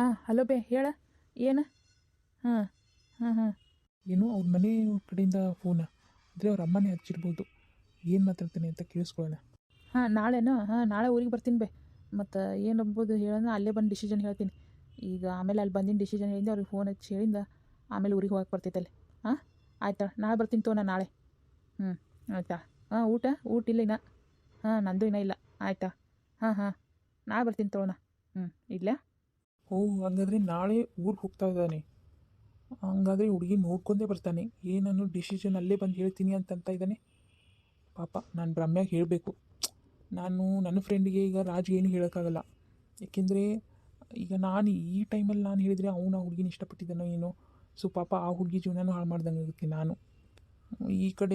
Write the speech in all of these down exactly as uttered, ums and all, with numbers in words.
ಹಾಂ ಹಲೋ ಬೇ ಹೇಳ ಏನು. ಹಾಂ ಹಾಂ ಹಾಂ ಏನೋ ಅವ್ರ ಮನೆ ಕಡೆಯಿಂದ ಫೋನ ಅಂದರೆ ಅವ್ರ ಅಮ್ಮನೇ ಹಚ್ಚಿರ್ಬೋದು. ಏನು ಮಾತಾಡ್ತಾನೆ ಅಂತ ಕೇಳಿಸ್ಕೊಳ್ಳೋಣ. ಹಾಂ ನಾಳೆನೋ ಹಾಂ ನಾಳೆ ಊರಿಗೆ ಬರ್ತೀನಿ ಬೇ. ಮತ್ತು ಏನು ಅಂಬೋದು ಹೇಳೋಣ, ಅಲ್ಲೇ ಬಂದು ಡಿಸಿಷನ್ ಹೇಳ್ತೀನಿ. ಈಗ ಆಮೇಲೆ ಅಲ್ಲಿ ಬಂದಿನ ಡಿಸಿಷನ್ ಹೇಳಿಂದ ಅವ್ರಿಗೆ ಫೋನ್ ಹಚ್ಚಿ ಹೇಳಿಂದ ಆಮೇಲೆ ಊರಿಗೆ ಹೋಗಕ್ಕೆ ಬರ್ತೈತಲ್ಲಿ. ಹಾಂ ಆಯ್ತಾ, ನಾಳೆ ಬರ್ತೀನಿ ತೋ. ನಾನು ನಾಳೆ ಹ್ಞೂ ಆಯಿತಾ. ಹಾಂ ಊಟ ಊಟ ಇಲ್ಲ ಇನ್ನ. ಹಾಂ ನಂದು ಇನ್ನೂ ಇಲ್ಲ. ಆಯಿತಾ. ಹಾಂ ಹಾಂ ನಾಳೆ ಬರ್ತೀನಿ ತಗೋಣ. ಹ್ಞೂ ಇಲ್ಲ. ಓ ಹಂಗಾದ್ರೆ ನಾಳೆ ಊರಿಗೆ ಹೋಗ್ತಾ ಇದ್ದಾನೆ. ಹಂಗಾದ್ರೆ ಹುಡುಗಿ ನೋಡ್ಕೊಂಡೇ ಬರ್ತಾನೆ. ಏನನ್ನು ಡಿಸಿಷನ್ ಅಲ್ಲೇ ಬಂದು ಹೇಳ್ತೀನಿ ಅಂತಂತ ಇದ್ದಾನೆ. ಪಾಪ ನಾನು ರಮ್ಯಾಗೆ ಹೇಳಬೇಕು. ನಾನು ನನ್ನ ಫ್ರೆಂಡಿಗೆ ಈಗ ರಾಜ್ಗೆ ಏನು ಹೇಳೋಕ್ಕಾಗಲ್ಲ. ಏಕೆಂದರೆ ಈಗ ನಾನು ಈ ಟೈಮಲ್ಲಿ ನಾನು ಹೇಳಿದರೆ ಅವನು ಆ ಹುಡುಗಿನ ಇಷ್ಟಪಟ್ಟಿದ್ದಾನೋ ಏನೋ. ಸೊ ಪಾಪ ಆ ಹುಡುಗಿ ಜೀವನನೂ ಹಾಳು ಮಾಡ್ದಂಗೆ ಆಗುತ್ತೆ. ನಾನು ಈ ಕಡೆ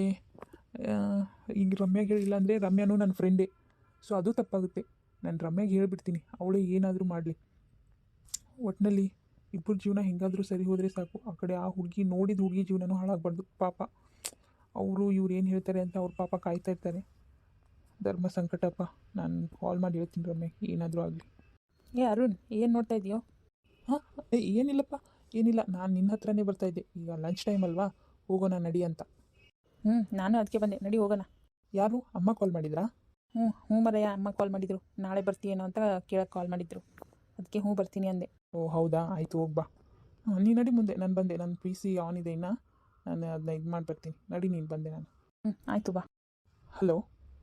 ಈಗ ರಮ್ಯಾಗೆ ಹೇಳಿಲ್ಲ ಅಂದರೆ ರಮ್ಯಾನೂ ನನ್ನ ಫ್ರೆಂಡೇ. ಸೊ ಅದು ತಪ್ಪಾಗುತ್ತೆ. ನಾನು ರಮ್ಯಾಗೆ ಹೇಳಿಬಿಡ್ತೀನಿ, ಅವಳೇ ಏನಾದರೂ ಮಾಡಲಿ. ಒಟ್ಟಿನಲ್ಲಿ ಇಬ್ಬರ ಜೀವನ ಹೆಂಗಾದರೂ ಸರಿ ಹೋದರೆ ಸಾಕು. ಆ ಕಡೆ ಆ ಹುಡುಗಿ ನೋಡಿದ ಹುಡುಗಿ ಜೀವನನೂ ಹಾಳಾಗಬಾರ್ದು. ಪಾಪ ಅವರು ಇವ್ರು ಏನು ಹೇಳ್ತಾರೆ ಅಂತ ಅವ್ರ ಪಾಪ ಕಾಯ್ತಾ ಇರ್ತಾರೆ. ಧರ್ಮ ಸಂಕಟಪ್ಪ. ನಾನು ಕಾಲ್ ಮಾಡಿ ಹೇಳ್ತೀನಿ ರಮ್ಯಾಗೆ, ಏನಾದರೂ ಆಗಲಿ. ಏ ಅರುಣ್, ಏನು ನೋಡ್ತಾ ಇದೆಯೋ? ಹಾಂ ಏನಿಲ್ಲಪ್ಪ, ಏನಿಲ್ಲ. ನಾನು ನಿನ್ನ ಹತ್ರನೇ ಬರ್ತಾಯಿದ್ದೆ. ಈಗ ಲಂಚ್ ಟೈಮ್ ಅಲ್ವಾ, ಹೋಗೋಣ ನಡಿ ಅಂತ. ಹ್ಞೂ ನಾನು ಅದಕ್ಕೆ ಬಂದೆ, ನಡಿ ಹೋಗೋಣ. ಯಾರು ಅಮ್ಮ ಕಾಲ್ ಮಾಡಿದ್ರಾ? ಹ್ಞೂ ಹ್ಞೂ ಮರಯ್ಯ, ಅಮ್ಮ ಕಾಲ್ ಮಾಡಿದರು. ನಾಳೆ ಬರ್ತೀಯೇನೋ ಅಂತ ಕೇಳಕ್ಕೆ ಕಾಲ್ ಮಾಡಿದ್ರು. ಅದಕ್ಕೆ ಹ್ಞೂ ಬರ್ತೀನಿ ಅಂದೆ. ಓ ಹೌದಾ, ಆಯಿತು ಹೋಗ್ಬಾ. ಹಾಂ ನೀ ನಡಿ ಮುಂದೆ. ನಾನು ಬಂದೆ. ನನ್ನ ಪಿ ಸಿ ಆನ್ ಇದೆ ಇನ್ನು. ನಾನು ಅದನ್ನ ಇದು ಮಾಡಿ ಬರ್ತೀನಿ. ನಡಿ, ನೀನು ಬಂದೆ. ನಾನು ಹ್ಞೂ ಆಯಿತು ಬಾ. ಹಲೋ.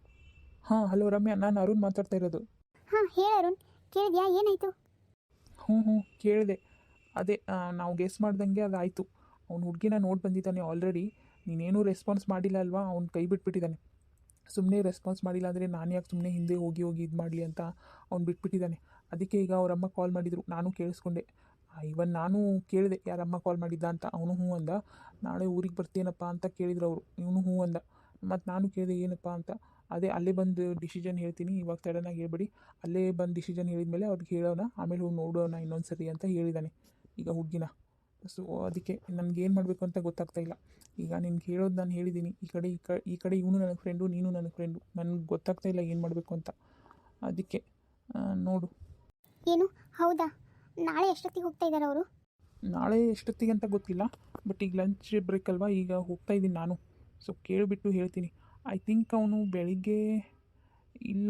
ಹಾಂ ಹಲೋ ರಮ್ಯಾ, ನಾನು ಅರುಣ್ ಮಾತಾಡ್ತಾ ಇರೋದು. ಹಾಂ ಹೇಳು ಅರುಣ್, ಕೇಳಿದ್ಯಾ? ಏನಾಯಿತು? ಹ್ಞೂ ಹ್ಞೂ ಕೇಳಿದೆ. ಅದೇ ನಾವು ಗೆಸ್ ಮಾಡ್ದಂಗೆ ಅದಾಯಿತು. ಅವ್ನು ಹುಡುಗಿನ ನೋಡಿ ಬಂದಿದ್ದಾನೆ ಆಲ್ರೆಡಿ. ನೀನೇನೂ ರೆಸ್ಪಾನ್ಸ್ ಮಾಡಿಲ್ಲ ಅಲ್ವಾ, ಅವ್ನು ಕೈ ಬಿಟ್ಬಿಟ್ಟಿದ್ದಾನೆ. ಸುಮ್ಮನೆ ರೆಸ್ಪಾನ್ಸ್ ಮಾಡಿಲ್ಲ ಅಂದರೆ ನಾನು ಯಾಕೆ ಸುಮ್ಮನೆ ಹಿಂದೆ ಹೋಗಿ ಹೋಗಿ ಇದು ಮಾಡಲಿ ಅಂತ ಅವ್ನು ಬಿಟ್ಬಿಟ್ಟಿದ್ದಾನೆ. ಅದಕ್ಕೆ ಈಗ ಅವರಮ್ಮ ಕಾಲ್ ಮಾಡಿದರು, ನಾನು ಕೇಳಿಸ್ಕೊಂಡೆ. ಇವನ್ ನಾನು ಕೇಳಿದೆ ಯಾರಮ್ಮ ಕಾಲ್ ಮಾಡಿದ್ದ ಅಂತ. ಅವನು ಹ್ಞೂ ಅಂದ. ನಾಳೆ ಊರಿಗೆ ಬರ್ತೀನಪ್ಪ ಅಂತ ಕೇಳಿದ್ರು ಅವರು. ಇವನು ಹ್ಞೂ ಅಂದ. ಮತ್ತು ನಾನು ಕೇಳಿದೆ ಏನಪ್ಪ ಅಂತ. ಅದೇ ಅಲ್ಲೇ ಬಂದು ಡಿಸಿಷನ್ ಹೇಳ್ತೀನಿ, ಇವಾಗ ಸಡನ್ನಾಗಿ ಹೇಳ್ಬೇಡಿ, ಅಲ್ಲೇ ಬಂದು ಡಿಸಿಷನ್ ಹೇಳಿದ್ಮೇಲೆ ಅವ್ರಿಗೆ ಹೇಳೋಣ, ಆಮೇಲೆ ಹೋಗಿ ನೋಡೋಣ ಇನ್ನೊಂದು ಸರಿ ಅಂತ ಹೇಳಿದ್ದಾನೆ ಈಗ ಹುಡುಗಿನ. ಸೊ ಅದಕ್ಕೆ ನನಗೇನು ಮಾಡಬೇಕು ಅಂತ ಗೊತ್ತಾಗ್ತಾ ಇಲ್ಲ. ಈಗ ನಿನ್ಗೆ ಹೇಳೋದು ನಾನು ಹೇಳಿದ್ದೀನಿ. ಈ ಕಡೆ ಈ ಕ ಈ ಕಡೆ ಇವನು ನನ್ನ ಫ್ರೆಂಡು, ನೀನು ನನ್ನ ಫ್ರೆಂಡು. ನನಗೆ ಗೊತ್ತಾಗ್ತಾ ಇಲ್ಲ ಏನು ಮಾಡಬೇಕು ಅಂತ. ಅದಕ್ಕೆ ನೋಡು. ಏನು? ಹೌದಾ? ನಾಳೆ ಎಷ್ಟೊತ್ತಿಗೆ ಹೋಗ್ತಾ ಇದ್ದಾರೆ ಅವರು? ನಾಳೆ ಎಷ್ಟೊತ್ತಿಗೆ ಅಂತ ಗೊತ್ತಿಲ್ಲ, ಬಟ್ ಈಗ ಲಂಚ್ ಬ್ರೇಕ್ ಅಲ್ವಾ, ಈಗ ಹೋಗ್ತಾ ಇದ್ದೀನಿ ನಾನು. ಸೊ ಕೇಳಿಬಿಟ್ಟು ಹೇಳ್ತೀನಿ. ಐ ಥಿಂಕ್ ಅವನು ಬೆಳಿಗ್ಗೆ ಇಲ್ಲ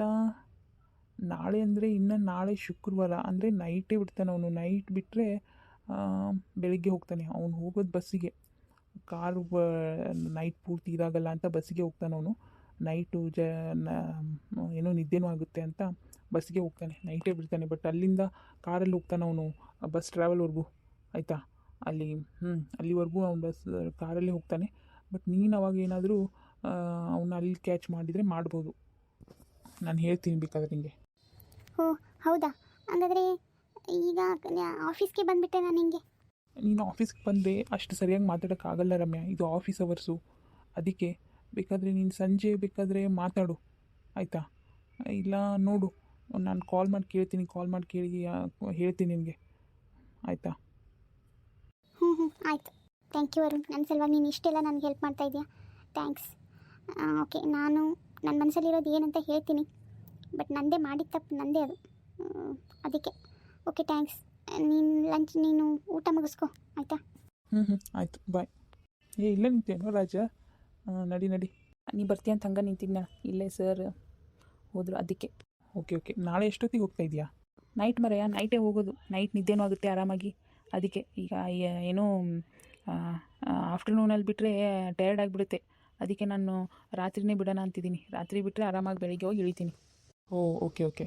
ನಾಳೆ ಅಂದರೆ ಇನ್ನು ನಾಳೆ ಶುಕ್ರವಾರ ಅಂದರೆ ನೈಟೇ ಬಿಡ್ತಾನೆ ಅವನು. ನೈಟ್ ಬಿಟ್ಟರೆ ಬೆಳಿಗ್ಗೆ ಹೋಗ್ತಾನೆ. ಅವ್ನು ಹೋಗೋದು ಬಸ್ಸಿಗೆ. ಕಾರು ನೈಟ್ ಪೂರ್ತಿ ಇದಾಗಲ್ಲ ಅಂತ ಬಸ್ಸಿಗೆ ಹೋಗ್ತಾನೆ ಅವನು. ನೈಟು ಜ ಏನೋ ನಿದ್ದೆನೂ ಆಗುತ್ತೆ ಅಂತ ಬಸ್ಸಿಗೆ ಹೋಗ್ತಾನೆ. ನೈಟೇ ಬಿಡ್ತಾನೆ. ಬಟ್ ಅಲ್ಲಿಂದ ಕಾರಲ್ಲಿ ಹೋಗ್ತಾನೆ ಅವನು ಬಸ್ ಟ್ರಾವೆಲ್ವರೆಗೂ. ಆಯಿತಾ, ಅಲ್ಲಿ ಹ್ಞೂ ಅಲ್ಲಿವರೆಗೂ ಅವ್ನು ಬಸ್ ಕಾರಲ್ಲಿ ಹೋಗ್ತಾನೆ. ಬಟ್ ನೀನು ಅವಾಗ ಏನಾದರೂ ಅವನ್ನ ಅಲ್ಲಿ ಕ್ಯಾಚ್ ಮಾಡಿದರೆ ಮಾಡ್ಬೋದು. ನಾನು ಹೇಳ್ತೀನಿ ಬೇಕಾದ್ರೆ ನಿಮಗೆ. ಓ ಹೌದಾ? ಹಾಗಾದರೆ ಈಗ ಆಫೀಸ್ಗೆ ಬಂದುಬಿಟ್ಟೆ ನಾನು ನಿಮಗೆ. ನೀನು ಆಫೀಸ್ಗೆ ಬಂದರೆ ಅಷ್ಟು ಸರಿಯಾಗಿ ಮಾತಾಡೋಕ್ಕಾಗಲ್ಲ ರಮ್ಯಾ, ಇದು ಆಫೀಸ್ ಅವರ್ಸು. ಅದಕ್ಕೆ ಬೇಕಾದರೆ ನೀನು ಸಂಜೆ ಬೇಕಾದರೆ ಮಾತಾಡು, ಆಯಿತಾ? ಇಲ್ಲ ನೋಡು, ನಾನು ಕಾಲ್ ಮಾಡಿ ಕೇಳ್ತೀನಿ. ಕಾಲ್ ಮಾಡಿ ಕೇಳಿ ಹೇಳ್ತೀನಿ ನಿನಗೆ, ಆಯಿತಾ? ಹ್ಞೂ ಹ್ಞೂ ಆಯಿತು. Thank you Arun. ನನ್ನ ಸಲುವಾಗಿ ನೀನು ಇಷ್ಟೆಲ್ಲ ನನಗೆ ಹೆಲ್ಪ್ ಮಾಡ್ತಾ ಇದೆಯಾ. ಥ್ಯಾಂಕ್ಸ್. ಓಕೆ, ನಾನು ನನ್ನ ಮನಸ್ಸಲ್ಲಿರೋದು ಏನಂತ ಹೇಳ್ತೀನಿ. ಬಟ್ ನನ್ನದೇ ಮಾಡಿದ ತಪ್ಪು, ನನ್ನದೇ ಅದು. ಅದಕ್ಕೆ ಓಕೆ ಥ್ಯಾಂಕ್ಸ್. ನೀನು ಲಂಚ್ ನೀನು ಊಟ ಮುಗಿಸ್ಕೊ, ಆಯಿತಾ? ಹ್ಞೂ ಹ್ಞೂ ಆಯಿತು, ಬಾಯ್. ಏ ಇಲ್ಲ ನಿಂತೇನೋ ರಾಜ, ನಡಿ ನಡಿ. ನೀ ಬರ್ತೀಯ ಅಂತ ಹಂಗೆ ನಿಂತಿದ್ನ, ಇಲ್ಲೇ ಸರ್ ಹೋದರು ಅದಕ್ಕೆ. ಓಕೆ ಓಕೆ ನಾಳೆ ಎಷ್ಟೊತ್ತಿಗೆ ಹೋಗ್ತಾ ಇದೆಯಾ? ನೈಟ್ ಮರೆಯ ನೈಟೇ ಹೋಗೋದು. ನೈಟ್ ನಿದ್ದೆನೂ ಆಗುತ್ತೆ ಆರಾಮಾಗಿ. ಅದಕ್ಕೆ ಈಗ ಏನೋ ಆಫ್ಟರ್ನೂನಲ್ಲಿ ಬಿಟ್ಟರೆ ಟಯರ್ಡ್ ಆಗಿಬಿಡುತ್ತೆ. ಅದಕ್ಕೆ ನಾನು ರಾತ್ರಿನೇ ಬಿಡೋಣ ಅಂತಿದ್ದೀನಿ. ರಾತ್ರಿ ಬಿಟ್ಟರೆ ಆರಾಮಾಗಿ ಬೆಳಿಗ್ಗೆ ಹೋಗಿ ಇಳಿತೀನಿ. ಓ ಓಕೆ ಓಕೆ.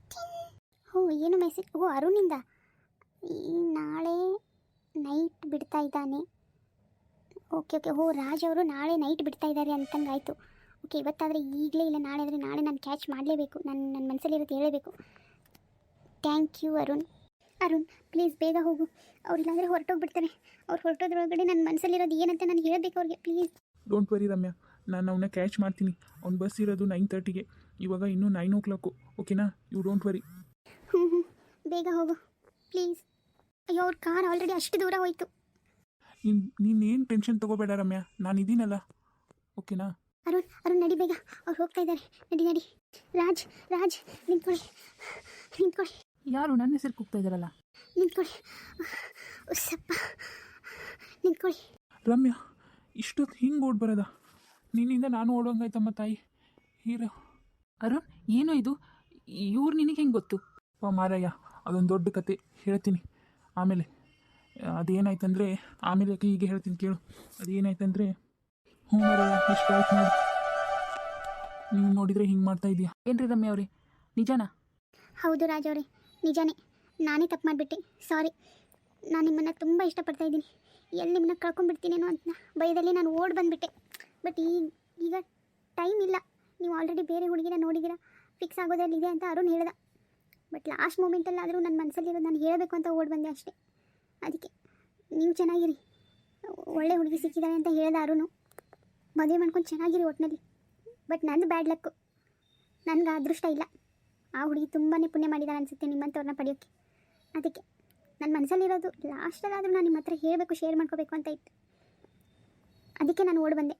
ಓ ಏನು ಮೆಸೇಜ್? ಓ ಅರುಣಿಂದ. ಈ ನಾಳೆ ನೈಟ್ ಬಿಡ್ತಾ ಇದ್ದಾನೆ. ಓಕೆ ಓಕೆ ಓ ರಾಜ್ ಅವರು ನಾಳೆ ನೈಟ್ ಬಿಡ್ತಾ ಇದ್ದಾರೆ ಅಂತಂಗಾಯಿತು. ಓಕೆ, ಇವತ್ತಾದರೆ ಈಗಲೇ ಇಲ್ಲ, ನಾಳೆ ಆದರೆ ನಾಳೆ ನಾನು ಕ್ಯಾಚ್ ಮಾಡಲೇಬೇಕು. ನಾನು ನನ್ನ ಮನಸ್ಸಲ್ಲಿರೋದು ಹೇಳಬೇಕು. Thank you Arun. Arun please ಬೇಗ ಹೋಗು. ಅವ್ರಿಲ್ಲಾಂದರೆ ಹೊರಟೋಗ್ಬಿಡ್ತಾರೆ. ಅವ್ರು ಹೊರಟೋದ್ರೊಳಗಡೆ ನನ್ನ ಮನಸ್ಸಲ್ಲಿರೋದು ಏನಂತ ನಾನು ಹೇಳಬೇಕು ಅವ್ರಿಗೆ, ಪ್ಲೀಸ್. ಡೋಂಟ್ ವರಿ ರಮ್ಯಾ, ನಾನು ಅವನ್ನ ಕ್ಯಾಚ್ ಮಾಡ್ತೀನಿ. ಅವ್ನ ಬಸ್ ಇರೋದು ನೈನ್ ತರ್ಟಿಗೆ, ಇವಾಗ ಇನ್ನೂ ನೈನ್ ಓ ಕ್ಲಾಕು. ಓಕೆನಾ? You don't worry. ಹ್ಞೂ ಹ್ಞೂ ಬೇಗ ಹೋಗು ಪ್ಲೀಸ್. ಅಯ್ಯೋ ಅವ್ರ ಕಾರ್ ಆಲ್ರೆಡಿ ಅಷ್ಟು ದೂರ ಹೋಯಿತು. ನೀನು ನೀನೇನು ಟೆನ್ಷನ್ ತೊಗೋಬೇಡ ರಮ್ಯಾ, ನಾನು ಇದ್ದೀನಲ್ಲ. ಓಕೆನಾ? ಅರುಣ್ ಅರುಣ್ ನಡಿ ಬೇಗ, ಅವ್ರು ಹೋಗ್ತಾ ಇದ್ದಾರೆ. ನಡಿ ನಡಿ. ರಾಜ್ ರಾಜ್ ನಿಂತ್ಕೊಳ್ಳಿ ನಿಂತ್ಕೊಳ್ಳಿ. ಯಾರು ನನ್ನ ಹೆಸರು ಕೂಗ್ತಾ ಇದ್ದಾರಲ್ಲ? ನಿಂತ್ಕೊಳ್ಳಿ. ಉಸ್ಸಪ್ಪ, ನಿಂತ್ಕೊಳ್ಳಿ. ರಮ್ಯಾ, ಇಷ್ಟೊತ್ತು ಹಿಂಗೆ ಓಡ್ ಬರೋದ? ನಿನ್ನಿಂದ ನಾನು ಓಡೋಂಗಾಯ್ತಮ್ಮ ತಾಯಿ. ಹೀರೋ ಅರುಣ್, ಏನೋ ಇದು? ಇವ್ರು ನಿನಗೆ ಹೆಂಗೆ ಗೊತ್ತು? ಅಪ್ಪ ಮಾರಯ್ಯ, ಅದೊಂದು ದೊಡ್ಡ ಕತೆ ಹೇಳ್ತೀನಿ ಆಮೇಲೆ. ಅದೇನಾಯ್ತಂದರೆ ಆಮೇಲೆ ಹೀಗೆ ಹೇಳ್ತೀನಿ ಕೇಳು. ಅದೇನಾಯ್ತಂದರೆ ಹ್ಞೂ ಮಾರಯ್ಯ, ಇಷ್ಟ ಆಯ್ತು ನೋಡಿ. ನೀವು ನೋಡಿದರೆ ಹಿಂಗೆ ಮಾಡ್ತಾ ಇದೆಯಾ? ಏನು ರೀ ರಮ್ಯಾ ಅವ್ರೆ, ನಿಜಾನಾ? ಹೌದು ರಾಜ್ ಅವರೇ, ನಿಜಾನೇ. ನಾನೇ ತಪ್ಪು ಮಾಡಿಬಿಟ್ಟೆ. ಸಾರಿ. ನಾನು ನಿಮ್ಮನ್ನು ತುಂಬ ಇಷ್ಟಪಡ್ತಾ ಇದ್ದೀನಿ. ಎಲ್ಲಿ ನಿಮ್ಮನ್ನ ಕಳ್ಕೊಂಡ್ಬಿಡ್ತೀನೇನೋ ಅಂತ ಭಯದಲ್ಲಿ ನಾನು ಓಡಿ ಬಂದುಬಿಟ್ಟೆ. ಬಟ್ ಈಗ ಈಗ ಟೈಮ್ ಇಲ್ಲ. ನೀವು ಆಲ್ರೆಡಿ ಬೇರೆ ಹುಡುಗಿನ ನೋಡಿದ್ದೀರಾ, ಫಿಕ್ಸ್ ಆಗೋದ್ರಲ್ಲಿದೆ ಅಂತ ಅರುಣ್ ಹೇಳ್ದ. ಬಟ್ ಲಾಸ್ಟ್ ಮೂಮೆಂಟಲ್ಲಾದರೂ ನನ್ನ ಮನಸ್ಸಲ್ಲಿರೋದು ನಾನು ಹೇಳಬೇಕು ಅಂತ ಓಡಿ ಬಂದೆ ಅಷ್ಟೇ. ಅದಕ್ಕೆ ನೀವು ಚೆನ್ನಾಗಿರಿ, ಒಳ್ಳೆ ಹುಡುಗಿ ಸಿಕ್ಕಿದ್ದಾರೆ ಅಂತ ಹೇಳ್ದ ಅರುಣು. ಮದುವೆ ಮಾಡ್ಕೊಂಡು ಚೆನ್ನಾಗಿರಿ ಒಟ್ಟಿನಲ್ಲಿ. ಬಟ್ ನಂದು ಬ್ಯಾಡ್ ಲಕ್ಕು, ನನಗೆ ಅದೃಷ್ಟ ಇಲ್ಲ. ಆ ಹುಡುಗಿ ತುಂಬಾ ಪುಣ್ಯ ಮಾಡಿದಾಳೆ ಅನಿಸುತ್ತೆ ನಿಮ್ಮಂಥವ್ರನ್ನ ಪಡೆಯೋಕ್ಕೆ. ಅದಕ್ಕೆ ನನ್ನ ಮನಸ್ಸಲ್ಲಿರೋದು ಲಾಸ್ಟಲ್ಲಾದರೂ ನಾನು ನಿಮ್ಮ ಹತ್ರ ಹೇಳಬೇಕು, ಶೇರ್ ಮಾಡ್ಕೋಬೇಕು ಅಂತ ಇತ್ತು. ಅದಕ್ಕೆ ನಾನು ಓಡಿ ಬಂದೆ.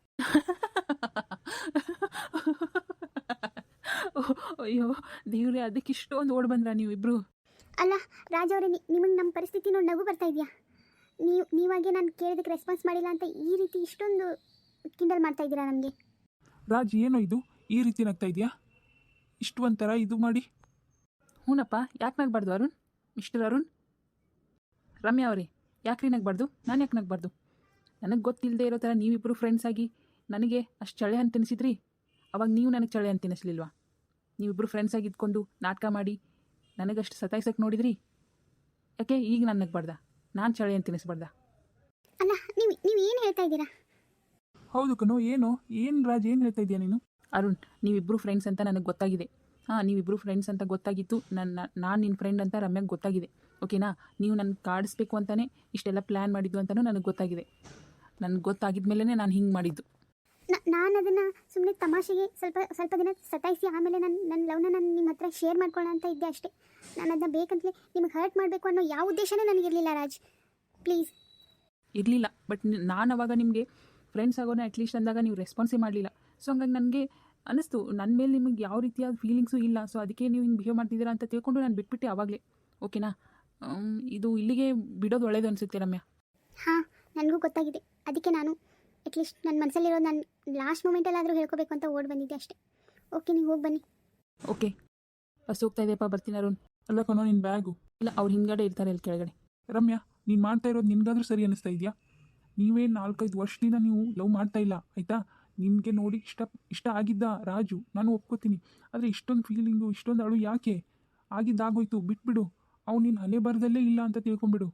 ಅಯ್ಯೋ ದೇವ್ರೆ, ಅದಕ್ಕೆ ಇಷ್ಟೊಂದು ಓಡ್ ಬಂದ್ರ ನೀವು ಇಬ್ರು? ಅಲ್ಲ ರಾಜ್ ಅವರೇ, ನಿಮಗೆ ನಮ್ಮ ಪರಿಸ್ಥಿತಿ ನೋಡಿ ನಗು ಬರ್ತಾ ಇದೆಯಾ? ನೀವು ನೀವಾಗೆ ನಾನು ಕೇಳಿದಕ್ಕೆ ರೆಸ್ಪಾನ್ಸ್ ಮಾಡಿಲ್ಲ ಅಂತ ಈ ರೀತಿ ಇಷ್ಟೊಂದು ಕಿಂಡಲ್ ಮಾಡ್ತಾ ಇದ್ದೀರಾ ನಮಗೆ. ರಾಜ್, ಏನೋ ಇದು ಈ ರೀತಿ ನಗ್ತಾ ಇದೆಯಾ? ಇಷ್ಟು ಒಂಥರ ಇದು ಮಾಡಿ. ಹ್ಞೂನಪ್ಪ, ಯಾಕೆ ನಗ್ಬಾರ್ದು ಅರುಣ್? ಮಿಸ್ಟರ್ ಅರುಣ್. ರಮ್ಯಾ ಅವರೇ, ಯಾಕೆ ರೀ ನಗ್ಬಾರ್ದು? ನಾನು ಯಾಕೆ ನಗ್ಬಾರ್ದು? ನನಗೆ ಗೊತ್ತಿಲ್ಲದೆ ಇರೋ ಥರ ನೀವಿಬ್ಬರು ಫ್ರೆಂಡ್ಸ್ ಆಗಿ ನನಗೆ ಅಷ್ಟು ಚಳೆ ಅಂತ ತಿನ್ನಿಸಿದ್ರಿ. ಅವಾಗ ನೀವು ನನಗೆ ಚಳೆ ಅಂತ ತಿನ್ನಿಸ್ಲಿಲ್ವಾ? ನೀವಿಬ್ಬರು ಫ್ರೆಂಡ್ಸ್ ಆಗಿ ಇದ್ಕೊಂಡು ನಾಟಕ ಮಾಡಿ ನನಗಷ್ಟು ಸತಾಯಿಸಕ್ಕೆ ನೋಡಿದ್ರಿ. ಯಾಕೆ ಈಗ ನಾನು ನಗ್ಬಾರ್ದ? ನಾನು ಚಳೆ ಅಂತ ತಿನ್ನಿಸ್ಬಾರ್ದ? ಅಲ್ಲ, ನೀವು ನೀವು ಏನು ಹೇಳ್ತಾ ಇದ್ದೀರಾ? ಹೌದು ಕಣೋ, ಏನು ಏನು ರಾಜ್, ಏನು ಹೇಳ್ತಾ ಇದೆಯಾ ನೀನು? ಅರುಣ್, ನೀವಿಬ್ಬರು ಫ್ರೆಂಡ್ಸ್ ಅಂತ ನನಗೆ ಗೊತ್ತಾಗಿದೆ. ಹಾಂ, ನೀವಿಬ್ಬರು ಫ್ರೆಂಡ್ಸ್ ಅಂತ ಗೊತ್ತಾಗಿತ್ತು. ನನ್ನ ನಾನು ನಿನ್ನ ಫ್ರೆಂಡ್ ಅಂತ ರಮ್ಯಾಗೆ ಗೊತ್ತಾಗಿದೆ. ಓಕೆನಾ? ನೀವು ನನ್ನ ಕಾಡಿಸ್ಬೇಕು ಅಂತಲೇ ಇಷ್ಟೆಲ್ಲ ಪ್ಲ್ಯಾನ್ ಮಾಡಿದ್ದು ಅಂತಲೂ ನನಗೆ ಗೊತ್ತಾಗಿದೆ. ನನಗೆ ಗೊತ್ತಾಗಿದ ಮೇಲೇ ನಾನು ಹಿಂಗೆ ಮಾಡಿದ್ದು. ನಾನು ಅದನ್ನು ಸುಮ್ಮನೆ ತಮಾಷೆಗೆ ಸ್ವಲ್ಪ ಸ್ವಲ್ಪ ದಿನ ಸತಾಯಿಸಿ ಆಮೇಲೆ ನನ್ನ ನನ್ನ ಲವ್ನ ನಾನು ನಿಮ್ಮ ಹತ್ರ ಶೇರ್ ಮಾಡ್ಕೊಳ್ಳೋ ಅಂತ ಇದ್ದೆ ಅಷ್ಟೇ. ನಾನು ಅದನ್ನ ಬೇಕಂತಲೇ ನಿಮಗೆ ಹರ್ಟ್ ಮಾಡಬೇಕು ಅನ್ನೋ ಯಾವ ಉದ್ದೇಶನೇ ನನಗಿರಲಿಲ್ಲ ರಾಜ್. ಪ್ಲೀಸ್. ಇರಲಿಲ್ಲ, ಬಟ್ ನಾನು ಅವಾಗ ನಿಮಗೆ ಫ್ರೆಂಡ್ಸ್ ಆಗೋಣ ಅಟ್ಲೀಸ್ಟ್ ಅಂದಾಗ ನೀವು ರೆಸ್ಪಾನ್ಸೇ ಮಾಡಲಿಲ್ಲ. ಸೊ ಹಂಗಾಗಿ ನನಗೆ ಅನ್ನಿಸ್ತು ನನ್ನ ಮೇಲೆ ನಿಮಗೆ ಯಾವ ರೀತಿಯಾದ ಫೀಲಿಂಗ್ಸು ಇಲ್ಲ. ಸೊ ಅದಕ್ಕೆ ನೀವು ಹಿಂಗೆ ಬಿಹೇವ್ ಮಾಡ್ತಿದ್ದೀರಾ ಅಂತ ತಿಳ್ಕೊಂಡು ನಾನು ಬಿಟ್ಬಿಟ್ಟೆ ಆವಾಗಲೇ. ಓಕೆನಾ? ಇದು ಇಲ್ಲಿಗೆ ಬಿಡೋದು ಒಳ್ಳೇದು ಅನಿಸುತ್ತೆ ರಮ್ಯಾ. ಹಾಂ, ನನಗೂ ಗೊತ್ತಾಗಿದೆ. ಅದಕ್ಕೆ ನಾನು ಅಟ್ಲೀಸ್ಟ್ ನನ್ನ ಮನಸ್ಸಲ್ಲಿರೋ ನಾನು ಲಾಸ್ಟ್ ಮೂಮೆಂಟಲ್ಲಾದರೂ ಹೇಳ್ಕೋಬೇಕು ಅಂತ ಓಡಿ ಬಂದಿದ್ದೆ ಅಷ್ಟೇ. ಓಕೆ, ನೀವು ಹೋಗಿ ಬನ್ನಿ. ಓಕೆ, ಬಸ್ ಹೋಗ್ತಾ ಇದೆಯಪ್ಪ, ಬರ್ತೀನಿ ಅರುಣ್. ಅಲ್ಲ ಕಣೋ, ನಿನ್ನ ಬ್ಯಾಗು. ಇಲ್ಲ, ಅವ್ರು ಹಿಂದ್ಗಡೆ ಇರ್ತಾರೆ ಅಲ್ಲಿ ಕೆಳಗಡೆ. ರಮ್ಯಾ, ನೀನು ಮಾಡ್ತಾ ಇರೋದು ನಿನ್ಗಾದ್ರೂ ಸರಿ ಅನ್ನಿಸ್ತಾ ಇದೆಯಾ? ನೀವೇ ನಾಲ್ಕೈದು ವರ್ಷದಿಂದ ನೀವು ಲವ್ ಮಾಡ್ತಾ ಇಲ್ಲ, ಆಯಿತಾ? ನಿಮಗೆ ನೋಡಿ ಇಷ್ಟ ಇಷ್ಟ ಆಗಿದ್ದ ರಾಜು, ನಾನು ಒಪ್ಕೋತೀನಿ. ಆದರೆ ಇಷ್ಟೊಂದು ಫೀಲಿಂಗು, ಇಷ್ಟೊಂದು ಅಳು ಯಾಕೆ? ಆಗಿದ್ದಾಗೋಯ್ತು, ಬಿಟ್ಬಿಡು. ಅವ್ನು ನಿನ್ನ ಹಣೆ ಬರದಲ್ಲೇ ಇಲ್ಲ ಅಂತ ತಿಳ್ಕೊಂಬಿಡು.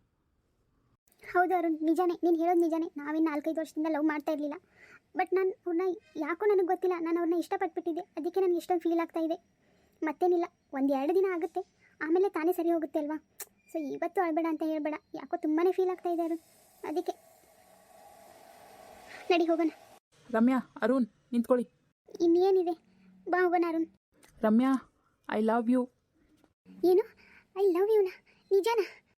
ಹೌದು ಅರುಣ್, ನಿಜಾನೇ, ನೀನು ಹೇಳೋದು ನಿಜಾನೇ. ನಾವೇನು ನಾಲ್ಕೈದು ವರ್ಷದಿಂದ ಲವ್ ಮಾಡ್ತಾ ಇರಲಿಲ್ಲ. ಬಟ್ ನಾನು ಅವ್ರನ್ನ ಯಾಕೋ ನನಗೆ ಗೊತ್ತಿಲ್ಲ, ನಾನು ಅವ್ರನ್ನ ಇಷ್ಟಪಟ್ಬಿಟ್ಟಿದ್ದೆ. ಅದಕ್ಕೆ ನನಗೆ ಇಷ್ಟೊಂದು ಫೀಲ್ ಆಗ್ತಾ ಇದೆ. ಮತ್ತೇನಿಲ್ಲ, ಒಂದು ಎರಡು ದಿನ ಆಗುತ್ತೆ, ಆಮೇಲೆ ತಾನೇ ಸರಿ ಹೋಗುತ್ತೆ ಅಲ್ವಾ? ಸೊ ಇವತ್ತು ಅಳಬೇಡ ಅಂತ ಹೇಳ್ಬೇಡ. ಯಾಕೋ ತುಂಬಾ ಫೀಲ್ ಆಗ್ತಾ ಇದೆ ಅರುಣ್. ಅದಕ್ಕೆ ನಡಿ ಹೋಗೋಣ. ರಮ್ಯಾ, ಅರುಣ್ ನಿಂತ್ಕೊಳ್ಳಿ. ಇನ್ನೇನಿದೆ, ಬಾ ಹೋಗೋಣ Arun. Ramya, I love you. ಏನು? ಐ ಲವ್ ಯುನಾ? ನಿಜಾನ?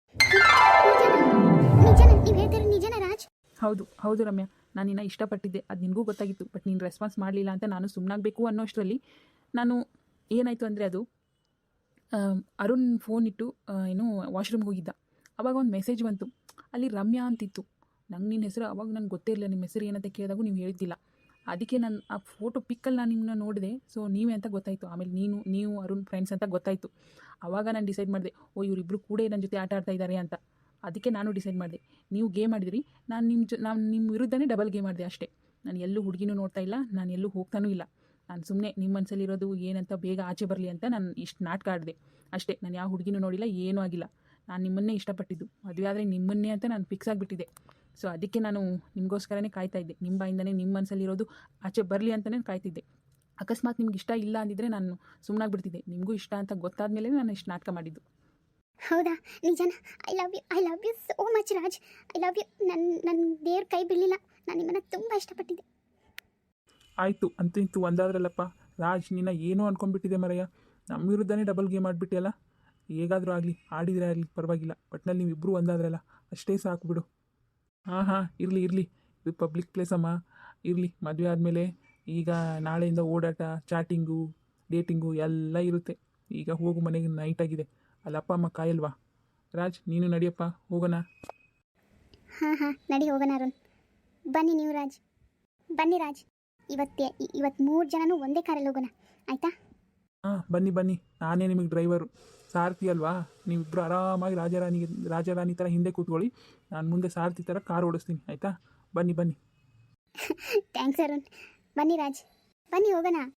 ನಿಜಾನ? ನೀವು ಹೇಳ್ತಾರೆ ನಿಜಾನ ರಾಜ್? ಹೌದು ಹೌದು ರಮ್ಯಾ, ನಾನು ನಿನ್ನ ಇಷ್ಟಪಟ್ಟಿದ್ದೆ, ಅದು ನಿನಗೂ ಗೊತ್ತಾಗಿತ್ತು. ಬಟ್ ನೀನು ರೆಸ್ಪಾನ್ಸ್ ಮಾಡಲಿಲ್ಲ ಅಂತ ನಾನು ಸುಮ್ಮನಾಗಬೇಕು ಅನ್ನೋಷ್ಟರಲ್ಲಿ ನಾನು ಏನಾಯಿತು ಅಂದರೆ, ಅದು ಅರುಣ್ ಫೋನ್ ಇಟ್ಟು ಏನು ವಾಶ್ರೂಮ್ಗೆ ಹೋಗಿದ್ದ. ಆವಾಗ ಒಂದು ಮೆಸೇಜ್ ಬಂತು, ಅಲ್ಲಿ ರಮ್ಯಾ ಅಂತಿತ್ತು. ನಂಗೆ ನಿನ್ನ ಹೆಸರು ಅವಾಗ ನನಗೆ ಗೊತ್ತೇ ಇರಲಿಲ್ಲ. ನಿಮ್ಮ ಹೆಸರು ಏನಂತ ಕೇಳಿದಾಗೂ ನೀವು ಹೇಳಿದ್ದಿಲ್ಲ. ಅದಕ್ಕೆ ನಾನು ಆ ಫೋಟೋ ಪಿಕ್ಕಲ್ಲಿ ನಾನು ನಿಮ್ಮನ್ನ ನೋಡಿದೆ. ಸೊ ನೀವೇ ಅಂತ ಗೊತ್ತಾಯಿತು. ಆಮೇಲೆ ನೀನು ನೀವು ಅರುಣ್ ಫ್ರೆಂಡ್ಸ್ ಅಂತ ಗೊತ್ತಾಯಿತು. ಆವಾಗ ನಾನು ಡಿಸೈಡ್ ಮಾಡಿದೆ, ಓ ಇವರಿಬ್ಬರು ಕೂಡ ನನ್ನ ಜೊತೆ ಆಟ ಆಡ್ತಾ ಇದ್ದಾರೆ ಅಂತ. ಅದಕ್ಕೆ ನಾನು ಡಿಸೈಡ್ ಮಾಡಿದೆ, ನೀವು ಗೇಮ್ ಆಡಿದ್ರಿ, ನಾನು ನಿಮ್ಮ ಜೊ ನಾನು ನಿಮ್ಮ ವಿರುದ್ಧನೇ ಡಬಲ್ ಗೇಮ್ ಮಾಡಿದೆ ಅಷ್ಟೇ. ನಾನು ಎಲ್ಲೂ ಹುಡುಗಿನೂ ನೋಡ್ತಾ ಇಲ್ಲ, ನಾನು ಎಲ್ಲೂ ಹೋಗ್ತಾನೂ ಇಲ್ಲ. ನಾನು ಸುಮ್ಮನೆ ನಿಮ್ಮ ಮನಸ್ಸಲ್ಲಿರೋದು ಏನಂತ ಬೇಗ ಆಚೆ ಬರಲಿ ಅಂತ ನಾನು ಇಷ್ಟು ನಾಟಕ ಆಡಿದೆ ಅಷ್ಟೇ. ನಾನು ಯಾವ ಹುಡುಗಿನೂ ನೋಡಿಲ್ಲ, ಏನೂ ಆಗಿಲ್ಲ. ನಾನು ನಿಮ್ಮನ್ನೇ ಇಷ್ಟಪಟ್ಟಿದ್ದು. ಮದುವೆ ಆದರೆ ನಿಮ್ಮನ್ನೇ ಅಂತ ನಾನು ಫಿಕ್ಸ್ ಆಗಿಬಿಟ್ಟಿದ್ದೆ. ಸೊ ಅದಕ್ಕೆ ನಾನು ನಿಮಗೋಸ್ಕರನೇ ಕಾಯ್ತಾ ಇದ್ದೆ. ನಿಮ್ಮ ಬಾಯಿಂದನೇ ನಿಮ್ಮ ಮನಸ್ಸಲ್ಲಿರೋದು ಆಚೆ ಬರಲಿ ಅಂತಲೇ ಕಾಯ್ತಿದ್ದೆ. ಅಕಸ್ಮಾತ್ ನಿಮ್ಗೆ ಇಷ್ಟ ಇಲ್ಲ ಅಂದಿದ್ರೆ ನಾನು ಸುಮ್ಮನಾಗ್ಬಿಡ್ತಿದ್ದೆ. ನಿಮಗೂ ಇಷ್ಟ ಅಂತ ಗೊತ್ತಾದ ಮೇಲೆ ನಾನು ಇಷ್ಟು ನಾಟಕ ಮಾಡಿದ್ದು. ಹೌದಾ? ನಿಜಾನ? I love you, I love you so much Raj. I love you. ನನ್ನ ನನ್ನ ದೇವ್ರ ಕೈ ಬಿಡಲಿಲ್ಲ, ನಾನು ನಿಮ್ಮನ್ನು ತುಂಬ ಇಷ್ಟಪಟ್ಟಿದ್ದೆ. ಆಯಿತು, ಅಂತೂ ಇಂತೂ ಒಂದಾದ್ರಲ್ಲಪ್ಪ. ರಾಜ್ ನಿನ್ನ ಏನೋ ಅನ್ಕೊಂಡ್ಬಿಟ್ಟಿದೆ ಮರಯ್ಯ. ನಮ್ಮ ವಿರುದ್ಧನೇ ಡಬಲ್ ಗೇಮ್ ಆಡಿಬಿಟ್ಟಿಯಲ್ಲ. ಹೇಗಾದರೂ ಆಗಲಿ, ಆಡಿದರೆ ಆಗಲಿ ಪರವಾಗಿಲ್ಲ. ಒಟ್ನಲ್ಲಿ ನೀವಿಬ್ಬರು ಒಂದಾದ್ರಲ್ಲ, ಅಷ್ಟೇ ಸಾಕು ಬಿಡು. ಹಾಂ ಹಾಂ ಇರಲಿ ಇರಲಿ, ಇದು ಪಬ್ಲಿಕ್ ಪ್ಲೇಸ್ ಅಮ್ಮ. ಇರಲಿ, ಮದುವೆ ಆದಮೇಲೆ ಈಗ ನಾಳೆಯಿಂದ ಓಡಾಟ, ಚಾಟಿಂಗು, ಡೇಟಿಂಗು ಎಲ್ಲ ಇರುತ್ತೆ. ಈಗ ಹೋಗು ಮನೆಗೆ ನೈಟ್ ಆಗಿದೆ. ಅಲ್ಲಿ ಅಪ್ಪ ಅಮ್ಮ ಕಾಯಲ್ವಾ? ರಾಜ್ ನೀನು ನಡಿಯಪ್ಪ ಹೋಗೋಣ. ಹಾಂ ಹಾಂ ನಡಿ ಹೋಗೋಣ ಅರುಣ್. ಬನ್ನಿ ನೀವು ರಾಜ್, ಬನ್ನಿ ರಾಜ್. ಇವತ್ತೇ ಇವತ್ತು ಮೂರು ಜನನೂ ಒಂದೇ ಕಾರಲ್ಲಿ ಹೋಗೋಣ ಆಯಿತಾ? ಹಾಂ ಬನ್ನಿ ಬನ್ನಿ, ನಾನೇ ನಿಮಗೆ ಡ್ರೈವರು, ಸಾರಥಿ ಅಲ್ವಾ. ನೀವಿಬ್ಬರು ಆರಾಮಾಗಿ ರಾಜಾರಾಣಿಗೆ ರಾಜಾರಾಣಿ ಥರ ಹಿಂದೆ ಕೂತ್ಕೊಳ್ಳಿ, ನಾನು ಮುಂದೆ ಸಾರಥಿ ಥರ ಕಾರ್ ಓಡಿಸ್ತೀನಿ ಆಯಿತಾ? ಬನ್ನಿ ಬನ್ನಿ. ಥ್ಯಾಂಕ್ಸ್ ಅರುಣ್. ಬನ್ನಿ ರಾಜ್, ಬನ್ನಿ ಹೋಗೋಣ.